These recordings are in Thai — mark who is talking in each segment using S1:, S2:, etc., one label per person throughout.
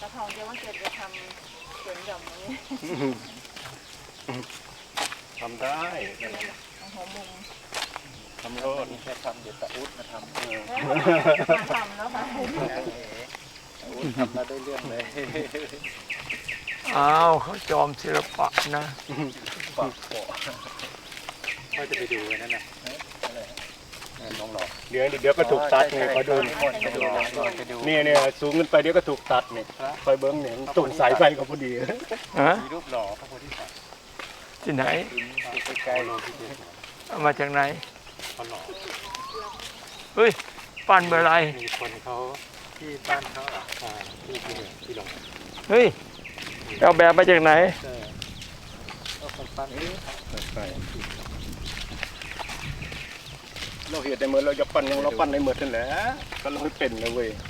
S1: ทองจะว่าเกิดจะทำสวนหย่อมนี้
S2: ทำได้
S1: หัวมุม
S2: ทำโลด
S3: แค่ทำเดี๋ยวตะอุดมาทำ
S1: ทำแล้วค่ะ
S3: ตะอุดทำมาได้เรื่องเลย
S4: อ้าวเขาจอมศิลปะนะ
S3: ปากโปะก็จะไปดูนั่นน่ะน้องหล่อ
S2: เดี๋ยวก็ถูกตัดไงเขาดูเนี่ยสูงขึ้นไปเดี๋ยวก็ถูกตัดเนี่ยคอยเบิ้งเนี่ยตุ่นสายไฟก็พอดี
S3: มีรูปหล่อพระโพธิสัตว์
S4: ที่ไหน
S3: ใกล้ๆเราที่
S4: เอามาจากไหน
S3: เขาหล่อ
S4: เฮ้ยปั้นเมื่อไร
S3: มีคนเขาที่บ้านเขาที่หลง
S4: เฮ้ยเอาแบบมาจากไหน
S3: ก็คนปั้น
S2: เราเห็นในมือเราจะปั้นยังเราปั้นในมือนั่นแหละก็เราไม่เป็นเลยเว้ย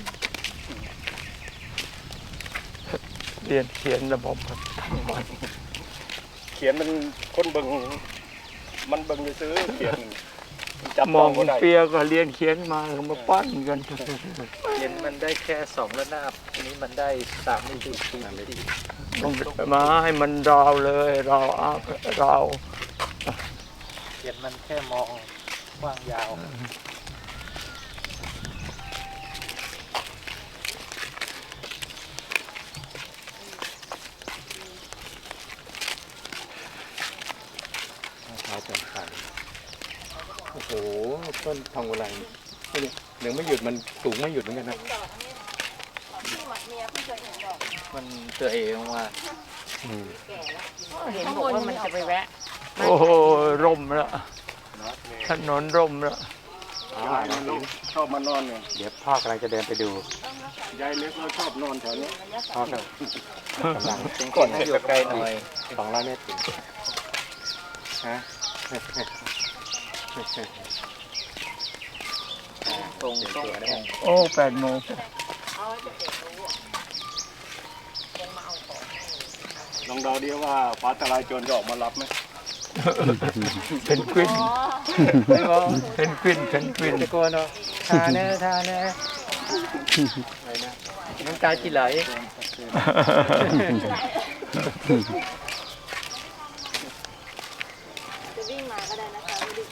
S4: เรียนเขียนระบบ
S2: เขียนมันคนเบิ่งมันเบิ่งจะซื้อเขียน
S4: มองเปียก็เรียนเขียนมามาปั้นกัน
S3: เขียนมันได้แค่2 ระนาบอันนี้มันได้3 มิติ
S4: ต้องมาให้มันราวเลยราว
S3: เขียนมันแค่มองกว้างยาวเท้าเป็นขันโอ้โหต้นทองอุไรนี่ยังไม่หยุดมันสูงไม่หยุดเหมือนกันนะมันตัวเองว่า
S1: เห็นบอกว่ามันจะไปแวะ
S4: โอ้โหร่มแล้วถนนร่มแล้ว
S2: ชอบมานอนเนี่ย
S3: เดี๋ยวพ่อกำลังจะเดินไปดู
S2: ยายเล็กเราชอบนอนแถวนี้
S3: พ่อกำลังก่อนให้อยู่ไกลหน่อย200 เมตรถึงฮะตรง
S4: โอ้8 โมง
S2: ลองเดาดิว่าฟ้าทลายโจรจะออกมารับไหม
S4: เป็นกวินเป็นกวิน
S3: ตะโกนเนาะทาแน่อะไรนะน้ำตาจีไหล
S1: จะวิ่งมาก็ได้นะคะไม่ได้เ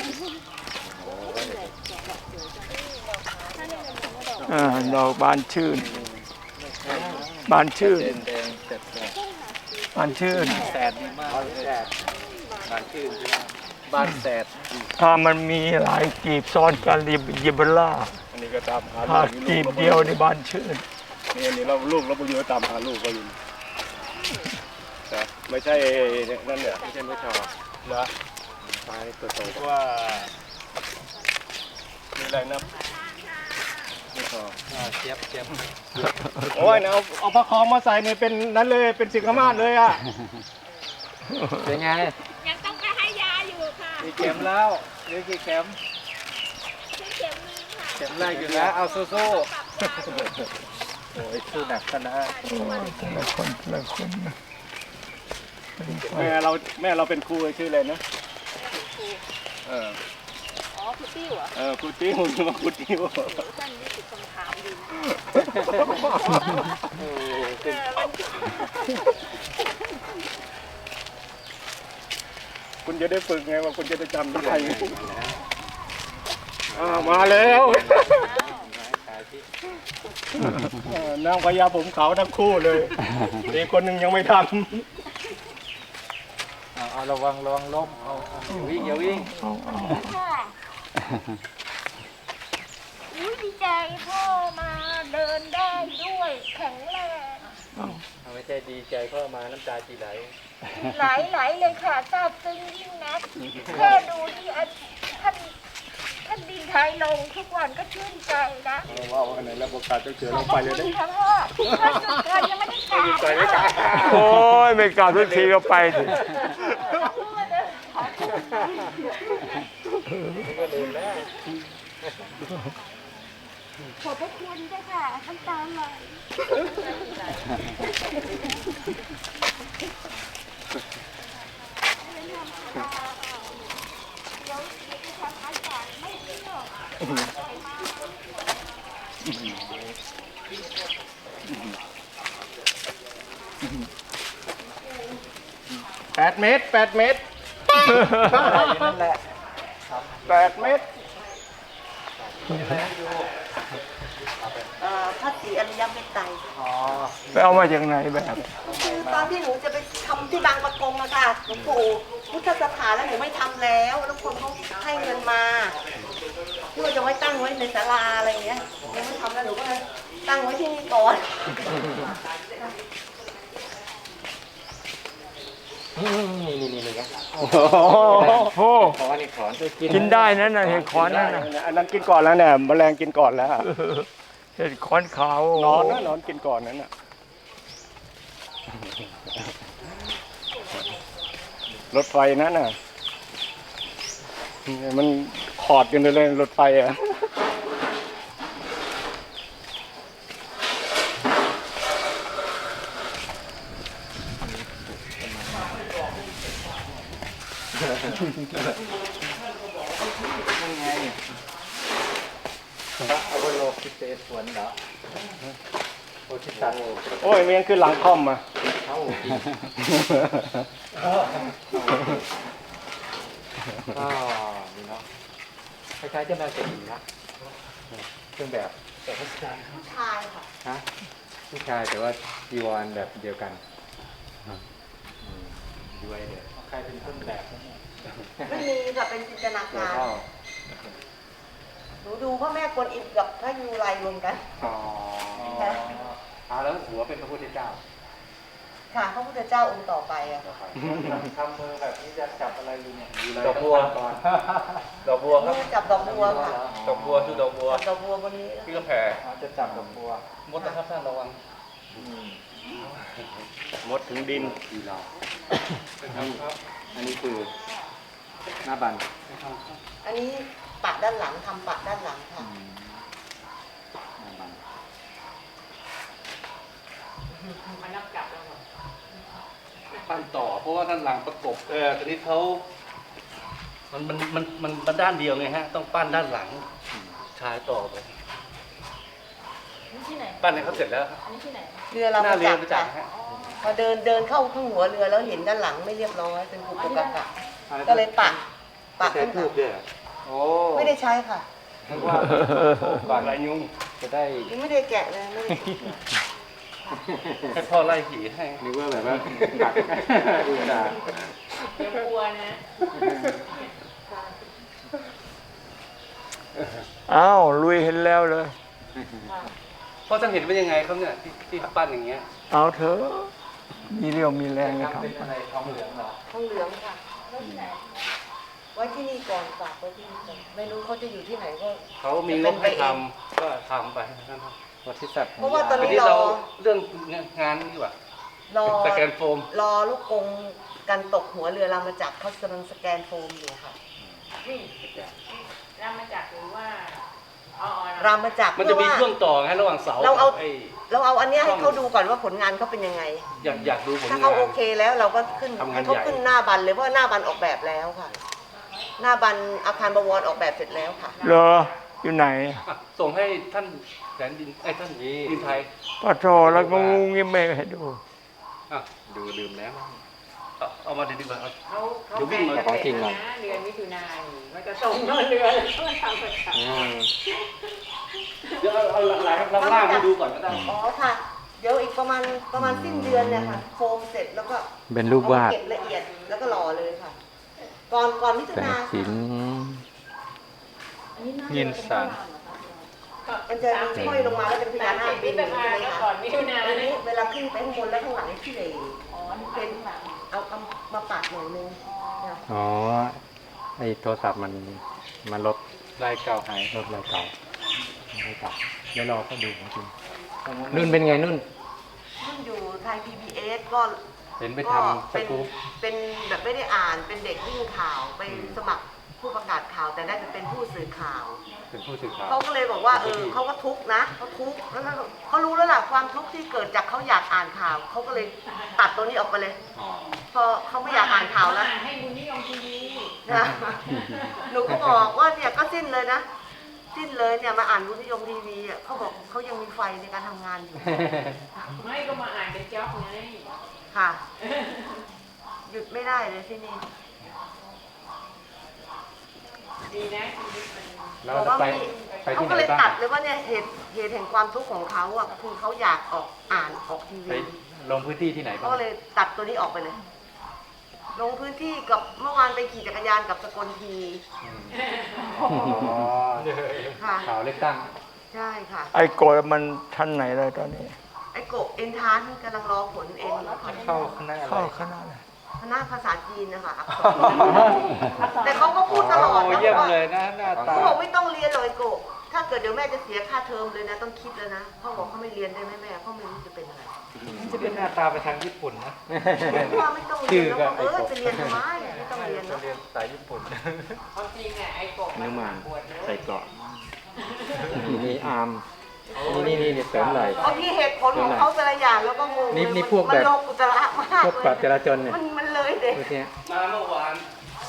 S4: จอดอกบานชื่นบานชื่น
S3: แสดดีมากบานชื่นบานแสด
S4: ถ้ามันมีหลายกีบซ้อนกันยิบล่า
S2: อันนี้ก็ตามหา
S4: ถ้ากีบเดียวในบานชื่น
S2: นี่เราลูกเราไปอยู่ตามหาลูกก็อยู่แต่ไม่ใช่นั่นเนี่ยไม่ใช่ไม่ชอบนะตายตัวโตว่ามีอะไรนะไม่ชอบ
S3: เจี๊ยบ
S2: โอ้ยเอาผ้าคอมาใส่เนี่ยเป็นนั้นเลยเป็นสิงคมาศเลยอ่ะ
S3: เป็นไง
S1: ยังต้องไปให้ยาอยู่ค่ะ
S3: กี่เข็มแล้วหรือกี่เข็ม
S1: เข็มนึงค่ะ
S3: เข็มแรกอยู่แล้วเอาสู้ๆโอ้ยสู้หนักขนาด
S4: ละคน
S2: แม่เราเป็นครูชื่ออะไรนะ
S1: อ๋อครูติ้วเหรอ
S2: ครูติ้วมาครูติ้ว
S1: ท่านนี่ติดคำถามอยู่
S2: คุณจะได้ฝึกไงว่าคุณจะได้จำได้มาแล้วนางพญาผมขาวทั้งคู่เลยอีกคนหนึ่งยังไม่ทำ
S3: เอาระวังล้มอย่าวิ่ง
S1: ดีใจพ่อมาเดินได้ด้วยแข็งแรง
S3: ไม่ใช่ดีใจพ่อมาน้ำตาจีไหล
S1: ไหลเลยค่ะซาบซึ้งยิ่งนักแค่ดูที่ท่านดินไทยลงทุกวันก็ชื่นใจนะ
S2: ว่าอันไหนแล้วโอกาสจะเจอเราไปเลยได้
S1: ท่านจุดเกินยังไม่ได้กราบ
S4: โอ้ยไม่กราบทุกทีก็ไปสิ
S3: ก็เดินแล้ว
S1: ขอบพระคุณด้วยค่ะน้ำตาไหล
S2: 8 เมตร 8 เมตร
S3: นั่นแหละ
S2: 8 เมตร
S1: พระศรีอริยเมตไตร
S3: อ๋อ
S4: ไปเอามาจากไหนแบบ
S1: คือตอนที่หนูจะไปทำที่บางประกงอะค่ะหลวงปู่พุทธสถานแล้วหนูไม่ทำแล้วแล้วคนเขาให้เงินมาเพื่อจะไว้ตั้งไว้ในศาลาอะไรอย่างเงี้ยยังไม่ทำแล้วหนูก็เลยตั้งไว้ที่นี่ก่อน
S3: นี่เลยครับ
S4: โอ้โห
S3: ขอนี่ขอน
S4: กินได้นั่นน่ะเห็ดขอนนั่นน่ะ
S2: อันนั้นกินก่อนแล้วเนี่ยแมลงกินก่อนแล้ว
S4: เห็ดขอนขาว
S2: นอนนะนอนกินก่อนนั้นน่ะรถไฟนั่นน่ะมันขอดกันเลยรถไฟอ่ะ
S3: พระอวโลกิเตศวนเหรอโอชิตัน
S2: โอ้ยเมียนขึ้นหลังคอมอ่ะ
S3: เข้าก็นี่เนาะคล้ายๆเจ้าแม่เศรษฐีนะเครื่องแบบแต่พระสถาน
S1: ผู้ชายค่ะ
S3: ฮะผู้ชายแต่ว่าจีวรแบบเดียวกันด้วยเดี๋ยวใครเป็นต้นแบบ
S1: ไม่มีค่ะเป็นจินตนา
S3: ตัว
S1: การ
S3: เท่า
S1: หนูดูพ่อแม่กวนอิมกับพระยูไรรวมกัน
S3: อ๋อแล้วหัวเป็นพระพุทธเจ้า
S1: ค่ะพระพุทธเจ้าองค์ต่อไปอะค่ะ
S3: ทำมือแบบนี้จะจับอะไรอยู่เนี่ยดอกบัวก่อน
S2: ดอกบัวครับ
S1: มือจับดอกบัวค่ะ
S2: ดอกบัวชื่อดอกบัว
S1: จับดอกบัวบนนี้
S2: พี่กระแผ่
S3: จะจับดอกบัว
S2: มดนะครับท่านระวังมดถึงดิน
S3: ดีเราอันนี้คือหน้าบัน
S1: อันนี้ปัดด้านหลังทำปัดด้านหลังค่ะ
S3: หน้าบัน
S5: ปั้นต่อเพราะว่าด้านหลังประกบตอนนี้เขามันด้านเดียวไงฮะ ต้องปั้นด้านหลังชายต่อไป
S6: นี่ที่ไหน
S5: ปั้นให้เขาเสร็จแล้วครับ
S6: อันนี้ที่ไหน
S1: เรือเรา
S5: หน้า
S1: มา
S5: เรีย
S1: จั
S5: น
S1: บ
S5: ไปจั
S1: ค่ะ
S5: ดฮะ
S1: พอเดินเข้าข้างหัวเรือแล้วเห็นด้านหลังไม่เรียบร้อยเป็นกุกกะกะก็เลยปัด
S3: ใช้
S1: ขึ้น
S3: ทูบด้วยเหรอโอ้
S1: ไม่ได้ใช้ค่ะ
S3: นึกว่าก่อน
S2: ลายยุง
S3: จะได้
S1: ยังไม่ได้แกะเลยไม่ได้
S5: ให้พ่อไล่ผีให้
S3: นึกว่าแบบว่ากักดูตา
S6: เดี๋ยวกลัวนะ
S4: อ้าวลุยเห็นแล้วเลย
S5: พ่อท่านเห็นเป็นยังไงครับเนี่ยที่ปั้นอย่างเงี้ย
S4: เอาเถอะมีเรี่ยวมีแรงนะค
S3: ทำ
S4: รับ
S3: เป็นอะไรทองเหลืองเหรอ
S1: ทองเหลืองค่ะไว้ที่นี่ก่อนฝากไว้ที่นี่ก่อนไม่รู้เขาจะอยู่ที่ไหนก็
S5: เขามีงบให้ทำก็ทำไปนะครับ
S3: วัดที่สัตว์
S1: เพราะว่าตอน
S5: ที
S1: นี้
S5: นี้
S1: ร
S5: เรา
S1: อ
S5: เรื่องงานนี่ว่ะ
S1: รอ
S5: สแกนโฟม
S1: รอลูกกงกันตกหัวเรือรามาจักรเขากำลังสแกนโฟมอยู่ค่ะ
S6: นี่รามาจากหรือว่าอ๋อ
S1: รามาจักร
S5: มันจะมี
S1: เพื่อ
S5: ช่วงต่อไงระหว่างเสา
S1: เราเอา
S5: กับไอ้
S1: เราเอาอันเนี้ยให้เขาดูก่อนว่าผลงานเขาเป็นยังไง
S5: อยากดูผลาน
S1: ถ้างเขาโอเคแล้วเราก็ขึ้น
S5: ทำงาน
S1: ให้เขา
S5: ใหญ่
S1: ขึ้นหน้าบันเลยเพราะว่าหน้าบันออกแบบแล้วค่ะ หน้าบันอาคารบวรออกแบบเสร็จแล้วค่ะ
S4: เหรออยู่ไหน
S5: อ่ะส่งให้ท่านแสนดินไอ้ท่านดินไทย
S4: ปะโถแล้วก็งูงี้ไม่ให้ดู
S5: อ่ะ
S3: ดูดื่มแล้ว
S5: เอามาดีกว่าครับ
S6: เขา
S5: เดี๋ยววิ่งมา
S3: ของจริงหน่อย
S6: นะเดือนมิถุนายนมันจะส่งเงินเดือนแล้วก็ทำประจ
S5: เดี๋ยวเอาหลายๆล่างให้ดูก่อนก็ได้
S1: อ๋อค่ะ เดี๋ยวอีกประมาณสิ้นเดือนเนี่ยค่ะโฟมเสร็จแล้วก็
S3: เป็นรูปวาด
S1: เก็บละเอียดแล้วก็หล่อเลยค่ะ ก่อนมิถุ
S3: แต่
S1: นา
S3: สิน
S6: อันนี้น่า
S3: เงินสาร
S1: มันจะมีห้อยลงมาแล้วเป็นพญานาคบิน
S6: มิ
S1: ใช่
S6: ถุ
S1: ไหม
S6: นายน
S1: คะ
S6: ก่อนมิถุนา
S1: อัน
S6: เนี่
S1: นี้
S6: ย
S1: เวลาขึ้นไปข้างบนแล้วข้างหลังที่เหล
S6: อ๋อนี่เป็นหลัง
S1: เอามาปัดหน่อยนึงค่ะ
S3: อ๋อ ไอโทรศัพท์มันลบลายเก่าหายลบลายเก่าลายเก่าเดี๋ยวรอก็ดูจริงนุ่นเป็นไงนุ่น
S1: ขึ้นอยู่ไทย PBS ก็
S3: เห็นไป
S1: ก็
S3: ทำสกู๊ป
S1: เป็นแบบไม่ได้อ่านเป็นเด็กวิ่งข่าวไปสมัครผู้ประกาศข่าวแต่ได้ไปเป็นผู้สื่อข่าว
S3: เป็นผู้สื่อข่าว
S1: เขาก็เลยบอกว่าเขาก็ทุกข์นะเขาทุกข์แล้วเขารู้แล้วล่ะความทุกข์ที่เกิดจากเขาอยากอ่านข่าวเขาก็เลยตัดตัวนี้ออกไปเลย
S3: อ๋อ
S1: พอเขาไม่อยากอ่านข่าวแล้ว
S6: ให้บุญนิยมทีวี
S1: นะหนูก็บอกว่าเนี่ยก็สิ้นเลยนะสิ้นเลยเนี่ยมาอ่านบุญนิยมทีวีอ่ะเขาบอกเขายังมีไฟในการทำงานอยู่
S6: ไม่ก็มาอ่านเป็นจ็อบไง
S1: ค่ะ ยยุดไม่ได้เลยที่นี่
S6: ดีนะชีวิตมัน
S3: เรา
S1: บอก
S3: จะ
S1: ว่า
S3: ไป
S1: มี
S3: ไป
S1: เขา
S3: ที่ไห
S1: ก็
S3: น
S1: เลย
S3: บ้าง
S1: ตัดเลยว่าเนี่ยเหตุแห่งความทุกข์ของเขาอ่ะคือเขาอยากออกอ่านออกที
S3: ไป
S1: วี
S3: ลงพื้นที่ที่ไหน
S1: เขา
S3: บ้าง
S1: ก็เลยตัดตัวนี้ออกไปเลย ลงพื้นที่กับเมื่อวานไปขี่จักรยานกับสกลที
S3: อ๋อ
S1: ค่ะ
S3: ข่าวเลือกตั้ง
S1: ใช่ค่ะ
S4: ไอ้โกรธมันชั้นไหนเลยตอนนี้
S1: ไอ้โกะเอ็นทานกำลังรอผลเอ็นค่ะ
S3: เข้าคณะอะไร
S4: เข้าคณะเลย
S1: คณะภาษาจีนนะคะแต่เขาก็พูดตลอดนะ
S3: เยี่ยม
S1: ว่า
S3: เลยนะหน้าตา
S1: เขาบอกไม่ต้องเรียนเลยโกะถ้าเกิดเดี๋ยวแม่จะเสียค่าเทอมเลยนะต้องคิดแล้วนะเขาบอกเขาไม่เรียนได้ไหมแม่เขาไม่รู้จะเป็นอะไร
S3: จะเป็นหน้าตาไปทางญี่ปุ่นนะ
S1: ว่าไม่ต้องเรียนแล้วก็ไปเรียนทำไมไม่ต้องเรียนเนาะ
S3: เรียนสายญี่ปุ่น
S6: ความจริงอ่ะไอ้กบ
S2: นึกมา
S6: ปวดเลย
S2: ใส่เกราะ
S3: นี่อาร์มนี่เสริมไหล
S1: บางทีเหตุผลของเขาแต่ละอย่างแล้วก็งง
S3: นี่พวกแบบ
S1: มันโลกุตระมาก
S3: พวกปราบจราจรเนี่ย
S1: มันเลยเด็ก
S3: พวกเนี้ย
S5: มาเมื่อวาน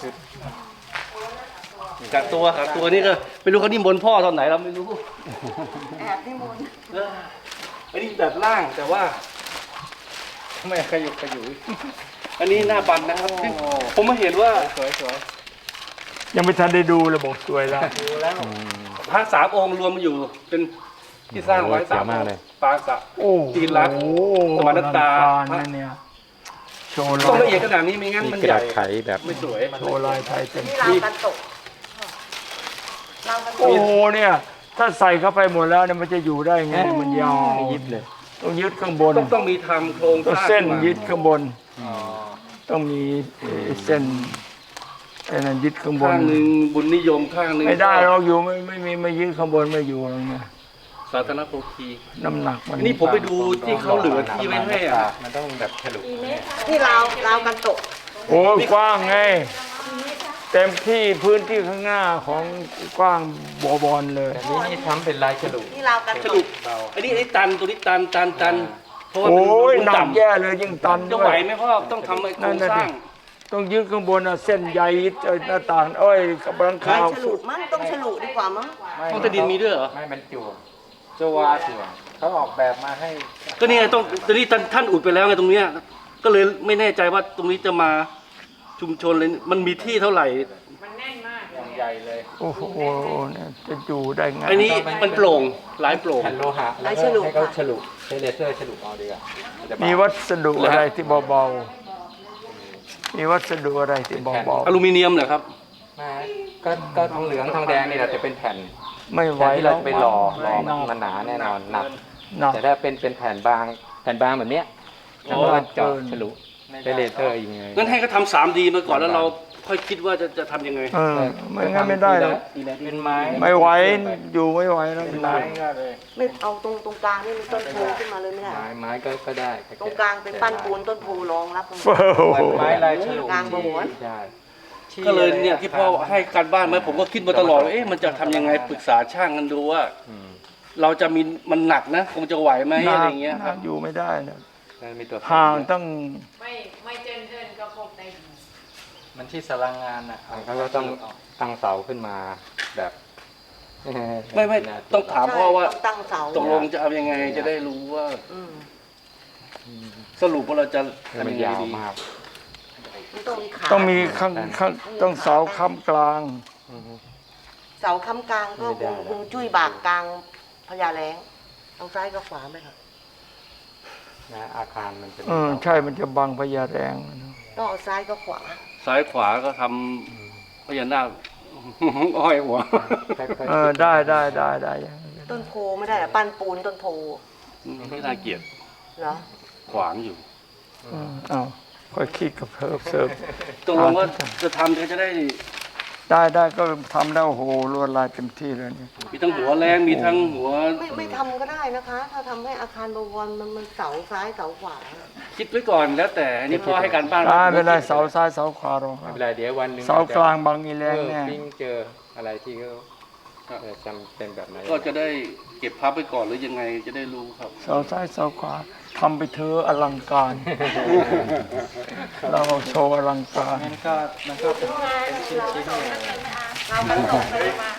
S5: กักตัวนี่ก็ไม่รู้เขานิมนต์พ่อตอนไหนเราไม่รู้
S1: แอบนิมนต์
S5: อันนี้แบบล่างแต่ว่า
S3: ไม่ขยุกขยุย
S5: อันนี้หน้าบันนะครับผมมาเห็นว่า
S3: สวยสวย
S4: ยังไม่ทันได้ดูเลยบอกสวยแล้ว
S3: ดูแล้ว
S5: พระ3 องค์รวมมาอยู่เป็นที่สร้างไว้3 องค์ปางสะ
S4: โอ้
S5: จีนรักสมานตา
S4: นั่นเนี่ยโชว์
S5: ต้อง
S4: ลา
S5: ละ
S4: ย
S5: เอียดขนาดนี้ไม่งั้น
S3: มี
S5: มัน
S3: กระ
S5: ให
S3: ดา
S5: ญ่
S3: ษไขแบบ
S5: ไม่สวย
S4: โชว์ลายไทยเต็ม
S1: นี่ราวกันตกราวกันต
S4: โอ้
S1: ก
S4: โหเนี่ย ถ้าใส่เข้าไปหมดแล้วเนี่ยมันจะอยู่ได้ไงมันยาว
S3: ยิบเลย
S4: ต้องยึดข้างบน
S5: ต้องมีทำโครง
S4: ต้อง
S5: สร้าง
S4: เส้น
S5: ขึ้มา
S4: ยึดข้างบน
S3: อ๋อ
S4: ต้องมีเส้นไอ้นั่นยึดข้างบน
S5: ข้างหนึ่งบุญนิยมข้างหนึ่ง
S4: ไม่ได้เราอยู่ไม่มีไม่ยึดข้างบนไม่อยู่หรอกเนี่ย
S5: สาธารณโภคี
S4: น้ำหนักมัน
S5: นี่ผมไปดูที่เขาเหลือที่ไว้ให้อ่ะ
S3: มันต้องแบบฉลุ
S1: นี่ราวกันตก
S4: โอ้ยกว้างไง เต็มที่พื้นที่ข้างหน้าของกว้างบอลเลย
S3: แต่นี่ทำเป็นลายฉลุ
S1: นี่ราวกัน
S5: ส
S1: ต
S5: รุ
S1: ก
S5: ปอันนี้ตันตัวนี้ตันเพราะว่า
S4: โอ้ย
S5: มัน
S4: หนัก
S5: ต่ำ
S4: แย่เลยยิ่งตัน
S5: จะ
S4: ด้
S5: ไห
S4: ว
S5: วย ไหมพ่อต้องทำไอ้โครงสร้าง
S4: ต้องยึดข้างบนน่ะเส้นใยหน้าต่างเอ้ยกับหลัง
S1: ไม่
S4: คา
S1: ฉลุมั้งต้องฉลุดีกว่ามั้ง
S5: ห้องใต้ดินมีด้วยเหรอ
S3: ไม่มันจั่วจวาจั่วเขาออกแบบมาให้
S5: ก็นี่ไงต้องตอนนี้ท่านอุดไปแล้วไงตรงเนี้ยก็เลยไม่แน่ใจว่าตรงนี้จะมาชุมชนเลยมันมีที่เท่าไหร่
S6: มันแน่นมากเลย
S3: ใหญ่เลย
S4: โอ้โหเนี่ยจะอยู่ได้ไง
S5: อันนี้มันโปร่งหลายโปร่ง
S3: แผ่นโลหะแล้วก็ให้เขาฉลุใช้เลเซอร์ฉลุเอาดีกว่าจะเบา
S4: มีวัสดุอะไรที่เบาๆมีวัสดุอะไรที่เบา
S5: อลูมิเนียมเหรอครับ
S3: มาก็ทองเหลืองทองแดงนี่แหละจะเป็นแผ่น
S4: ๆไม่ไหว
S3: แผ่นที่
S4: แล้
S3: เรา
S4: ว
S3: จะไปหล่อ
S4: หนัก
S3: มันหนาแน่นอนหนัก
S4: หนัก
S3: แต่ถ้าเป็นแผ่นบางแบบเนี้ย
S5: อ๋
S3: แล้ว
S5: อ
S3: ก็เจาะฉลุใช้เลเซอร์อย่างเงี้ย
S5: งั้นให้เขาทำ 3D มาก่อนแล้วเราค่อยคิดว่าจะทำยังไง
S4: เออไม่งั้นไม่ได้แล้ว
S3: เป็นไม้
S4: ไม่ไหวอยู่ไม่ไหวแล้ว
S3: เป็นไม้ก็เลย
S1: ไม่เอาตรงกลางนี่มีต้นโพขึ้นมาเลยไม่ได้
S3: ไม้ก็ได้
S1: ตรงกลางเป็นปั้นปูนต้นโพรองรับตรง
S4: โอ้โห
S3: ไม้ลายฉลุ
S1: กลางประมวล
S3: ใช่
S5: ก็เลยเนี่ยที่พ่อให้การบ้านมาผมก็คิดมาตลอดว่าเอ๊ะมันจะทำยังไงปรึกษาช่างกันดูว่า
S3: อืม
S5: เราจะมีมันหนักนะคงจะไหวไหมอะไรเงี้ย
S4: ห
S5: ค
S4: นั
S5: รับ
S4: กอยู่ไม่ได้นะ
S3: แล้วมีตัว
S4: ห่างตั้ง
S6: ไม่เจนก็พบใน
S3: มันที่สารางงานอ่ะเขาก็ต้องตั้งเสาขึ้นมาแบบ
S5: ไม่ต้องถามพ่อว่า
S1: ใช่ต้องตั้งเสา
S5: ตกลงจะเอายังไงจะได้รู้ว่า
S1: อืม
S5: สรุปว่าเราจะ
S3: มัน
S5: ทำยังไง
S3: ยาว
S5: ดี
S3: มาก
S1: มันต้องมีขา
S4: ต้องมีข้างต้องเสาค้ำกลาง
S1: เสาค้ำกลางก็
S3: ไม่ได้
S1: คงจุ้ยบากกลางพญาแรงทางซ้ายกับขวาไหมครับ
S3: นะอาคารมันเป็น
S4: ใช่มันจะบังพญาแรง
S1: ต้องเอาซ้ายกับขวา
S5: ซ้ายขวาก็ทำพญานาค อ้อยหัว
S4: ได้อย่างนั้น
S1: ต้นโพไม่ได้เหรอปั้นปูนต้นโพ
S5: ไม่น่าเกลียด
S1: เหรอ
S5: ขวางอยู่
S4: เอาค่อยคิดกับเสิร์ฟ
S5: ตกลงว่าจะทำจะได้
S4: ได้ก็ทำได้โอ้โหลวดลายเต็มที่เลยเนี่ย
S5: มีทั้งหัวแรงมีทั้งหัว
S1: ไม่ทำก็ได้นะคะ ถ้าทำให้อาคารบวรมันเสาซ้ายเสาขวา
S5: คิดไว้ก่อนแล้วแต่อันนี้พ่อให้การบ้าน
S4: ได้ไม่ได้เสาซ้ายเสาขวาหรอก
S3: ไม่เป็นไรเดี๋ยววันหนึ่ง
S4: เสากลางบางอีแรงแน่
S3: ปิ้งเจออะไรที่เขาจำเป็นแบบไหน
S5: ก็จะได้เก็บพับไว้ก่อนหรือยังไงจะได้รู้ครับ
S4: เสาซ้ายเสาขวาทำไปเธอะอลังการ เราโชว์อลังการ
S3: มันก็เป็นชิ้นๆเนี่ย
S1: เรากันตกเลยมา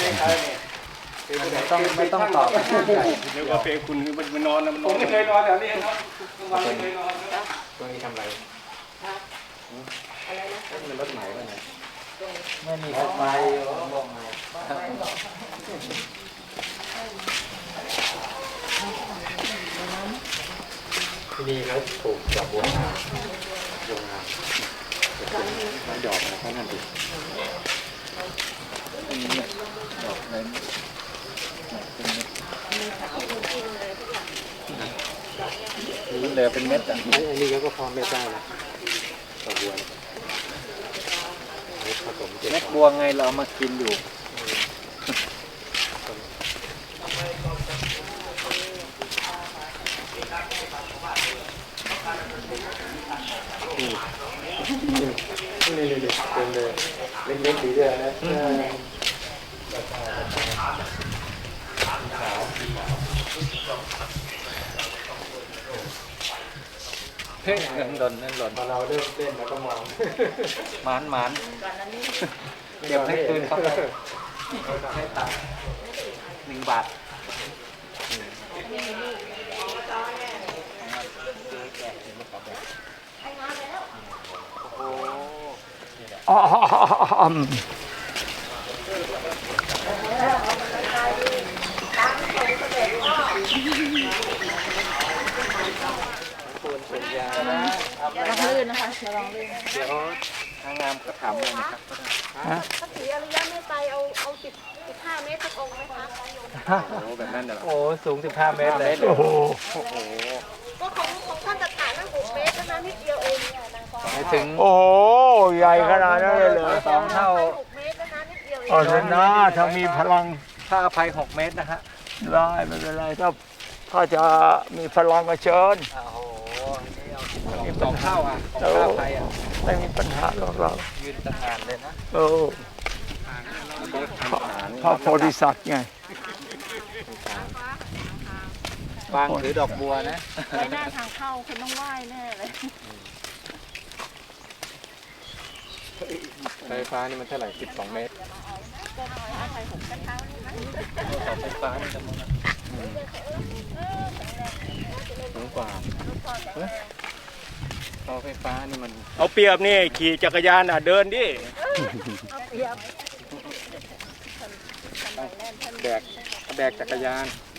S3: ไม่ต้องตอบ
S2: เรียกว่าเปรคุณมันนอนนะมันน
S5: ผ
S2: อ
S5: ม
S2: น
S5: ไม่เคยนอนแถวนี้ครับกลางวันไม่เคยนอน
S3: ตัวนี้ทำอะไรมันรถไหนวะเนี่ยไม่มีรถไฟบอกไงที่นี่เขาปลูกดอกบัวงามบัวงามมันดอกอะไรก็นั่นดิดอกนั้นนี่เลยเป็นเม็ดอ่ะอันนี้ก็พอเม็ดได้นะดอกบัวเม็ดบัวไงเราเอามากินอยู่นี่เป็นเลยเล็กๆดีด้วยนะเฮ้ยเงินหล่นพอเราเริ่มเต้นแล้วก็มองหมานเก็บให้คืนเขาไปให้ตังค์1 บาท
S4: อ๋อ
S6: ระวังลื่นนะคะระวังลื่น
S3: เดี๋ยวทางงามก็ถามเลยนะครับ
S1: พระศรีอริยเมตไตรเอา15 เมตรสักองค์ไหมคะ
S3: โอ้แบบนั้นเหรอโอ้สูง15 เมตรเลย
S4: โอ้โห
S1: ก็ของท่านตถานั่ง6 เมตรเท่านั้นนิดเดียวเองเนี่ยนางฟ้า
S3: ไม่ถึง
S4: โอ้โหใหญ่ขนาดนั้นเลยเหรอ
S3: 2 เท่า
S1: 6 เมตรเท่านั้นนิดเดียวเอง
S4: อ๋อเถอะนะถ้ามีพลัง
S3: ถ้าอภัย6 เมตรนะฮะ
S4: ได้ไม่เป็นไรถ้าจะมีพลังก็เชิญ
S3: โอ้โหนี่2 เท่าอ่ะของค่าอภัยอ่ะ
S4: ไม่มีปัญหาหรอกเรา
S3: ยืนตั้งงานเลยนะ
S4: เออพระโพธิสัตว์ไง
S3: วางถือดอกบัวนะ
S6: ไว้หน้าทางเข้าคุณต้องไหว้แน่เลย
S3: ไฟฟ้านี่มันเท่าไหร่12 เมตรไฟฟ้านี่จะมันสูงกว่าเสาไฟฟ้านี่มัน
S2: เอาเปรียบนี่ขี่จักรยานเดินดิ
S3: แบกจักรยาน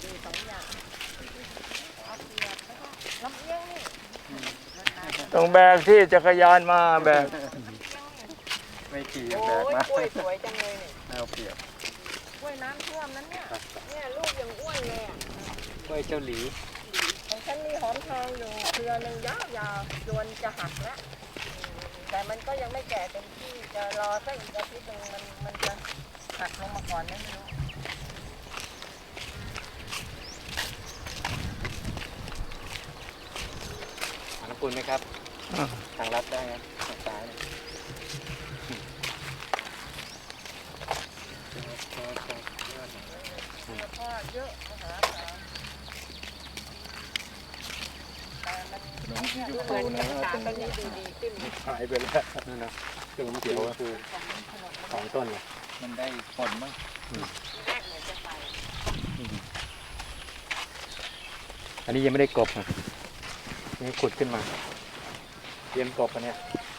S4: ต้องแบกที่จักรยานมาแบก
S3: ไม่ขี่
S1: โอ้
S3: แบก
S1: ย
S3: มาก
S1: ล้วยสวยจังเลยเนี่ย
S3: เอาเปรียบ
S1: กล้วยน้ำท่วมนั้นเนี่ยเนี่ยลูกยังอ้วนเลยอ่ะ
S3: กล้วยเจ้าหลี
S1: ของฉันมีหอมทองอยู่เครือหนึ่งยาวๆจวนจะหักแล้วแต่มันก็ยังไม่แก่เต็มที่จะรอสักอีกอาทิตย์หนึงมันจะหักลงมาก่อนไม่รู้
S3: ทางคุณไหมครับ ทางลัดได้ไหมทางซ้าย
S1: พ่อเยอะมหาศาลแต่มันดูเหมือนจะสารต้นนี้ดูดีขึ้น
S3: หายไปแล้วนั่นนะคือมันเขียวคือ2 ต้นเลยมันได้ผลมั้ง
S1: แรกเหมือนจะไป
S3: อันนี้ยังไม่ได้กบอ่ะนี่ขุดขึ้นมาเตรียมกบอันเนี้ย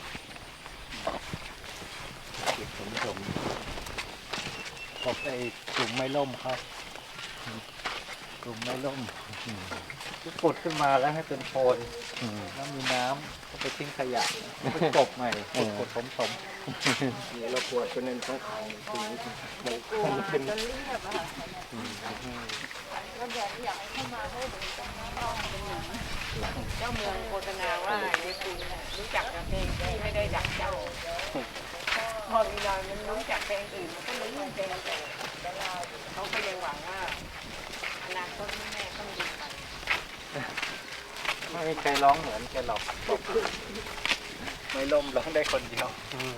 S3: ผมกบไอ้กลุ่มไม้ล่มครับกลุ่มไม้ล่มขุดขึ้นมาแล้วให้เป็นโพนแล้วมีน้ำก็ไปทิ้งขยะไปกบใหม่ขุดสมนี่เราปวดเป็นต้องเอาถึงเป็น
S1: จนเรียบอะค่ะแล้วบอกอยากให้เข้ามาให้ดูตรงนี้ต้องเป็นอย่างนี้เจ้าเมืองโฆษณาว่าในกรุงรู้จักแต่เพลงที่ไม่ได้ดักเจ้าพอมีนอยมันรู้จักเพลงอื่นมันก็เลยเพลงแต่เราเขาก็ยังหวังว่าอนาคตแม่ต้องดีไป
S3: ไม่มีใครร้องเหมือนแกหรอกไม่ล่มร้องได้คนเดียว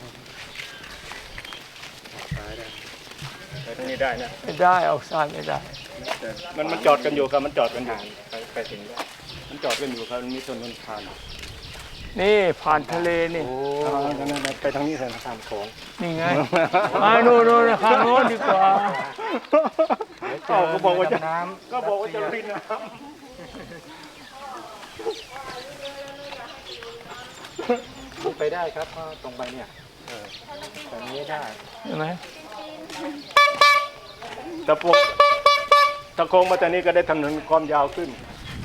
S2: ไปทางนี้ได้นะ
S4: ไม่ได้ออกซ้ายไม่ได้
S2: มันจอดกันอยู่ครับมันจอดกันอยู่
S3: ไปถึงได้
S2: มันจอดกันอยู่ครับมันมีถนนผ่าน
S4: นี่ผ่านทะเลนี่
S2: ไปทางนี้เถอะ
S3: ข้ามโขง
S4: นี่ไงมาโน่นข้างโน้นดีกว่า
S2: ก็บอกว่าจะ
S3: น้
S2: ก็บอกว่าจะลุยน้ำ
S3: ไปได้ครับก็ตรงไปเนี่ยแบบนี้ได้
S4: ใช่ไหม
S2: ตะโกงมาจากนี้ก็ได้ถนนความยาวขึ้น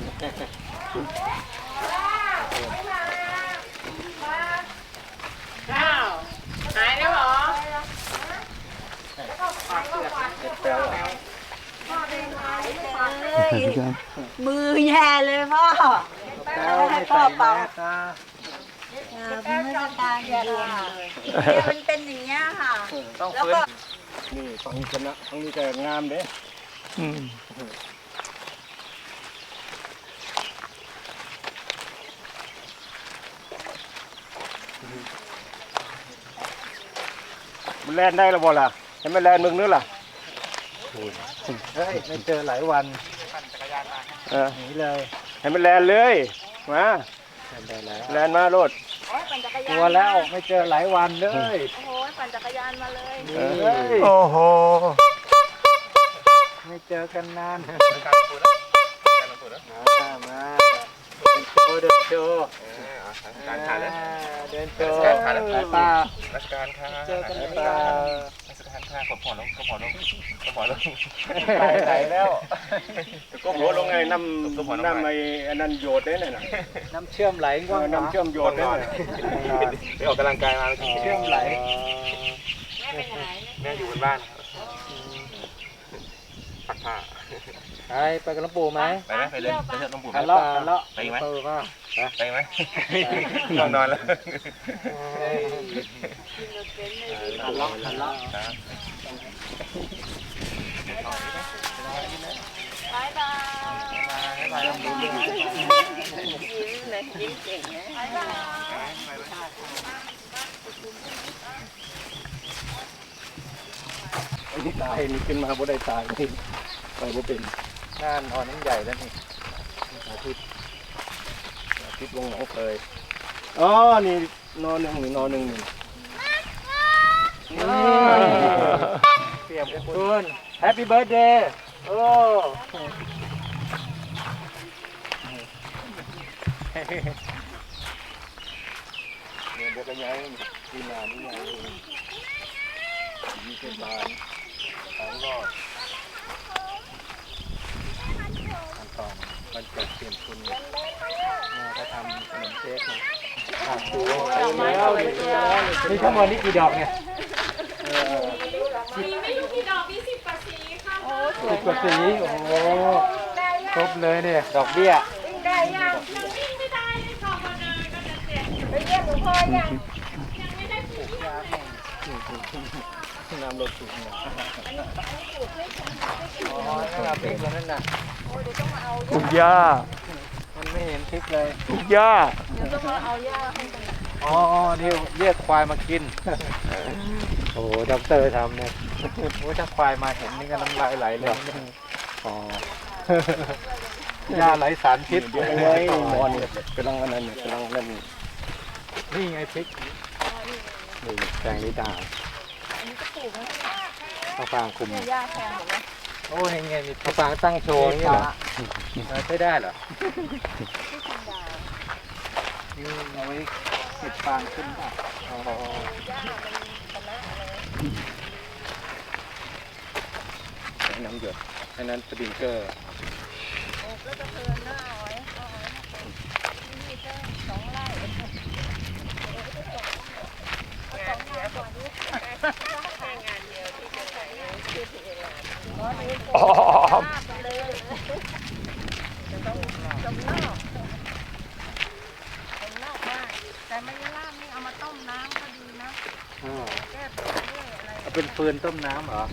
S6: อ้าวหายแล้วเหรอ
S1: มือแย่เลยพ่อ
S3: แล้วไม่ใส่แมสนะ
S1: ไม่ต้องการแย่เลยมันเป็นอย่างเงี้ยค่ะ
S3: ต้อง
S1: แล้ว
S3: ฟื้น
S1: ก็
S2: นี่ฝั่งชนะฝั่งนี้ก็งามเด้
S4: อืม
S2: มันแล่นได้แล้วบ่ล่ะให้มันแล่นมึงนึกล่ะ
S3: เฮ้ยไม่เจอหลายวัน
S2: เออ
S3: หนีเลย
S2: ให้มันแล่นเลยมา
S3: ได้แล้ว
S2: แล่นมาโลด
S3: กลัวแล้วไม่เจอหลายวันเลย
S1: โอ้ยปั่นจักรยานมาเลย
S2: เออ
S3: เฮ้ย
S4: โอ้โห
S3: ไม่เจอกันนานมาเดินโชว์การถ่ายแล้วเดินโชว์สายตา
S7: ราชการค่ะ
S3: เจอกันหรือเปล่า
S7: ราชการค่ะขอผ่อนลงขอผ่อนลงขอผ่อนลง
S3: ไหนแล้ว
S2: ก็หัวลงไงน้ำไอ้อันนั้นโยดได้น่ะ
S3: น้ำเชื่อมไหลง่วง
S2: น้ำเชื่อมโยดได้น่ะ
S7: ไปออกกำลังกายมา
S3: เชื่อมไหล
S7: แม่อยู่บนบ้านปักผ้า
S3: ไปกับหลวงปู่ไหม
S7: ไปไหมไปเล่นไปเถอะน้องปู่
S3: ทะเลาะทะเลาะ
S7: ไปไหม
S3: ว่า
S7: ไปไหมนอนแล้ว
S3: ทะเลาะทะเลาะ
S1: บายบาย
S6: ยิ้มเลยยิ้มเก่งนะ
S1: บายบาย
S2: ไอ้นี่ตายนี่ขึ้นมาบ่ได้ตายนี่ไปบ่เป็น
S3: งานอ่อนน้ำใหญ่แล้วนี่
S2: คิดวงหนองเคยอ๋อนี่นอนหนึ่งนี่นอนหนึ่งนี่
S3: เตรียมคุณแฮปปี้เบิร์ดเดย์โอ้
S2: เนี่ยเดี๋ยวก็ย้ายที่นานี่ย้ายมีเทศบาลแล้วก็
S3: ขั้นตอนมันเกิดเปลี่ยนคุณเขาทำขนมเค้กนะนี่ทั้งหมดนี่กี่ดอกเนี่ย
S6: มีไม่รู้กี่ดอกมี10 กว่าสีค่ะ
S3: 10 กว่าสีโอ้โหครบเลยเนี่ยดอกเบี้ย
S1: ได้ยัง
S6: ยังวิ่งไม่ได้เลยค่ะวันเดินก็จะเสีย
S1: ไปเยี่ยมหลวงพ่อยัง
S6: ยังไม่ได้ปลูก
S2: น้ำรถสูงเนี่ย
S3: อ๋อนั่นเราพริกแล้วนั่นน่ะ
S4: ปลูกหญ้า
S3: มันไม่เห็นพริกเลย
S4: ปลูกหญ้า
S3: อ๋อนี่เรียกควายมากิน โอ้โหด็อกเตอร์ทำเนี่ยโอ้ถ้าควายมาเห็นนี่ก็น้ำลายไหลเลยอ๋อยาไหลสารพิษ
S2: เดี๋ยวไว้นอนเนี่ยกำลังอันนั้นเนี่ยกำลังนั่น
S3: นี่ไงพริกนี่แตงลิดาข้าวฟางคุมโอ้ยไงมีข้าวฟางตั้งโชว์นี่เหรอใช้ได้เหรอนี่เอาไว้ติดฟางขึ้นป่ะอ๋อ
S2: น้ำหยดอันนั้นสปริงเกอร์
S4: อ๋อ
S1: แต่ไม่ได้ลาบนี่เอามาต้มน้ำก็ดีนะ แก้ปวดด้วยอะไร
S3: เอาเป็นฟืนต้มน้ำเหรอ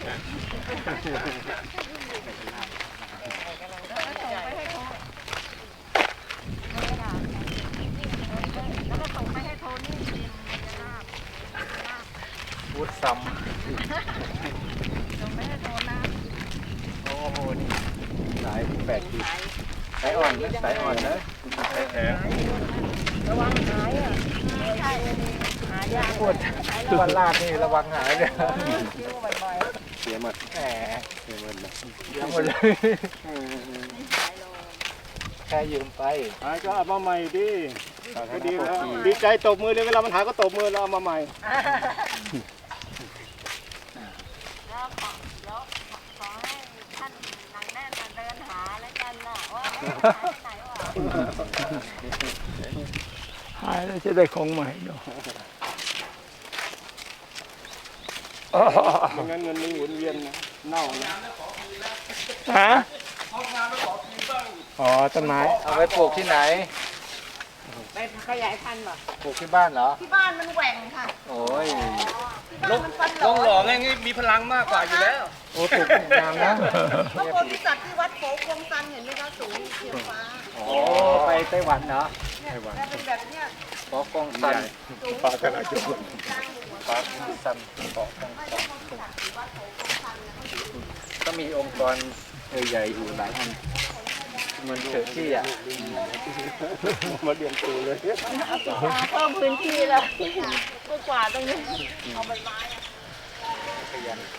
S1: แล้วก็ส่งไปให้โทนี่เตรียมจะลาบ
S3: พูดซ้ำ
S1: ส่งไปให้โทนะ
S3: โอ้โหนี่สายที่8 ขีดสายอ่อนนะสายอ่อนนะ
S1: ระวังหายอ่ะไม่ใช่หายาก
S3: ปวดวันลาดนี่ระวังหายเลย
S1: คิ้วบ่อย
S2: เสียหมด
S3: แหม
S2: เสียหมดเลย
S3: เยอะหมดเลยแค่ยืมไป
S2: ไอ้ก็เอามาใหม่ดิ
S1: ๆ
S2: ก็ดีแล้วดีใจตบมือเลยเวลามันหาก็ตบมือแล้วเอามาใหม่
S1: แล้วขอให้ท่านหนังแน่นเดินหาแล้วกันนะว่าหายไปไหนวะ
S4: หายแล้วจะได้ของใหม่เนาะ
S2: ไม่งั้นเงินมันหมุนเวียนนะเน่านะ
S4: ฮะ
S3: อ๋อต้นไม้เอาไว้ปลูกที่ไหน
S6: ไปขยายพันธุ์เหรอ
S3: ปลูกที่บ้านเหรอ
S1: ที่บ้านมันแหว่งค่ะ
S3: โอ้ย
S1: ที่บ้านมันฟันหล
S5: ล
S1: อง
S5: หล่อไงงี้มีพลังมากกว่าอยู่แล้ว
S3: โอ้ปลูกงามนะ
S1: พระโพธิสัตว์ที่วัดโผกงซันเห็นไหมคะสูงเขียวฟ้า
S3: โอ้ไปไต้หวันเหรอ
S1: เนี่ยแล้วเป็นแบบเนี้ย
S3: ปอกงซัน
S1: สูง
S2: ปลากระดาษจุก
S1: กลางหัว
S3: ปอกงซันปอกง
S1: ไม่
S3: ซั
S1: ใช่
S3: น
S1: โพธิสัตว์ที่วัดโผกงซันนะ
S3: ก็มีองค์กรใหญ่ๆอยู่หลายอันเหมือนเชอร์ที่อ่ะ
S2: มาเรียนตูเลย
S1: เพิ่มพื้นที่แล้วเมื่อกว่าตรงนี้เอาใบไม้อะ
S3: ขยัน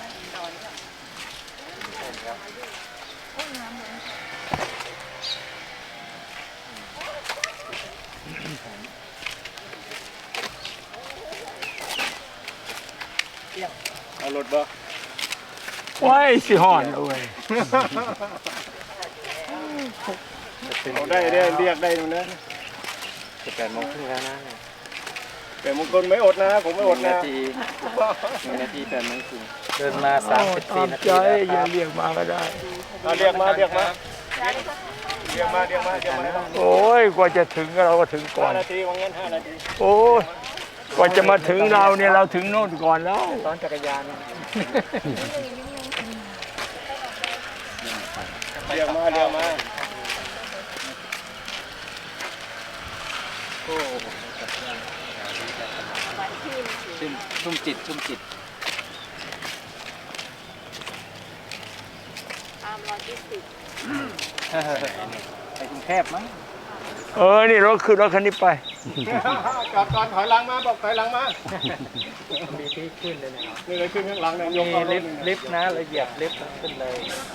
S2: เอารถบ่
S4: ไว้สิหอนเอาไว้
S2: เอาได้เรียกได้ตรงนั้น
S3: จะ8 โมงครึ่งแล้วนะ
S2: แต่มงคลไม่อดนะผมไม่อดนะ
S3: 1 นาที8 โมงครึ่งเดินมา
S4: ตาม
S3: 34 นา
S4: ใจ
S3: ทีแล้วค
S4: อย่า
S3: รับ
S4: เรียกมาก็ได้
S2: เอาเรียกมาเรียกมาเรียกมาเรียกมาเรียกมา
S4: โอ้ยกว่าจะถึงเราก็ถึงก่อน
S2: 5 นาทีว่างั้น5 นาที
S4: โอ้ยกว่าจะมาถึงเราเนี่ยเราถึงโน่นก่อนแล้ว
S3: ซ้อนจักรยาน
S2: เรียกมาเรียกมา
S3: โอ้ชุ่มจิต
S1: ตามรอยที่สิบ
S3: ไปกรุงเทพมั้ง
S4: นี่รถขึ้นรถคันนี้ไป
S2: จอดก่อนถอยหลังมาบอกถอยหลังมา
S3: มีที่ขึ้นเลยนะ
S2: นี่เลยขึ้นข้างหลังเนี่ยยก
S3: มี
S2: เข้าร
S3: ลิ
S2: ถ
S3: ฟต์นะเราเหยียบลิฟต์ขึ้นเลย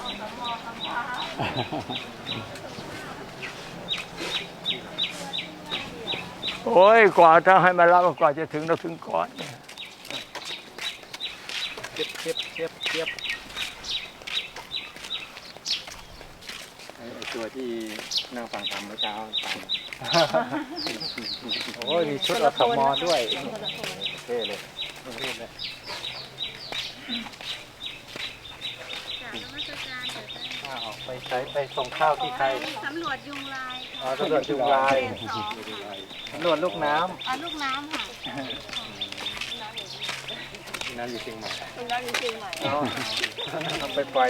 S4: โอ้ยกว่าถ้าให้มารับกว่าจะถึงเราถึงก่อน
S3: เทียบไอ้ตัวที่นั่งฟังธรรมเมื่อเช้าฟังโอ้ยมีชุดอสมด้วยเท่เลยออกไปใช้ไปส่งข้าวที่ใคร
S1: สำรวจยุงลาย
S3: อ๋อตำรวจจุงลาย
S1: เฟส 2
S3: ตำรวจลูกน้
S1: ลูกน้ำค่ะ
S3: ำน้ำอยู่เชียงใหม่
S1: ตรงนั้นจริงๆใหม่
S3: ทำไปปล่อย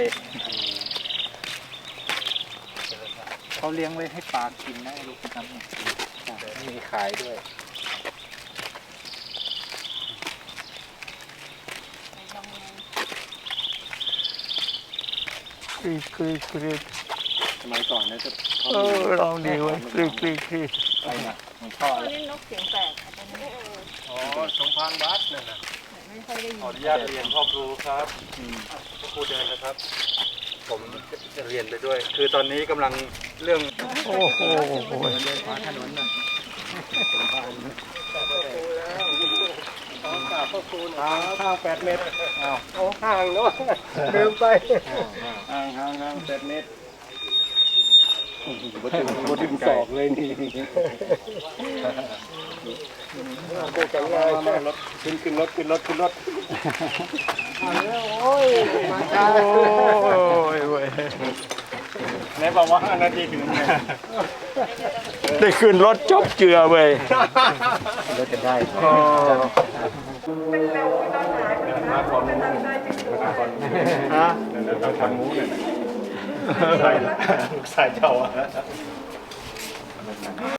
S3: เขาเลี้ยงไว้ให้ปลากินนะไอ้ลูกน้ำเนี่ยมีขายด้วย
S4: กรีด
S3: สมัยก่อนนะจะ
S4: ลองดีไว้กรีด
S3: ไปนะหลวงพ่อ
S1: ตัวนี้นกเสียงแปลกอาจจะไม่ได้
S2: อ๋อสมพานวัดนั่นน่ะ
S1: ไม่ค่อยได้ยิน
S7: ขออนุญาตเรียนพ่อครูครับพ่อครูเดินนะครับ ผมจะเรียนไปด้วย คือตอนนี้กำลังเรื่อง
S4: โอ้โห
S3: ถนนน่ะ
S2: ห่าง8 เมตรโอ้ห่างเนาะลืมไปห่าง8 เมตรบ่ถึงศอกเลยนี่โกจังเลยรถขึ้นรถโอ้ยมาช้า
S4: โอ้ยเว้ย
S2: ไหนบอกว่า5 นาทีถึงไง
S4: ได้ขึ้นรถจบเจือเว้ย
S3: รถจะได้
S2: ฮะเราทำมูเนี่ยใส่เจ้าอ่ะ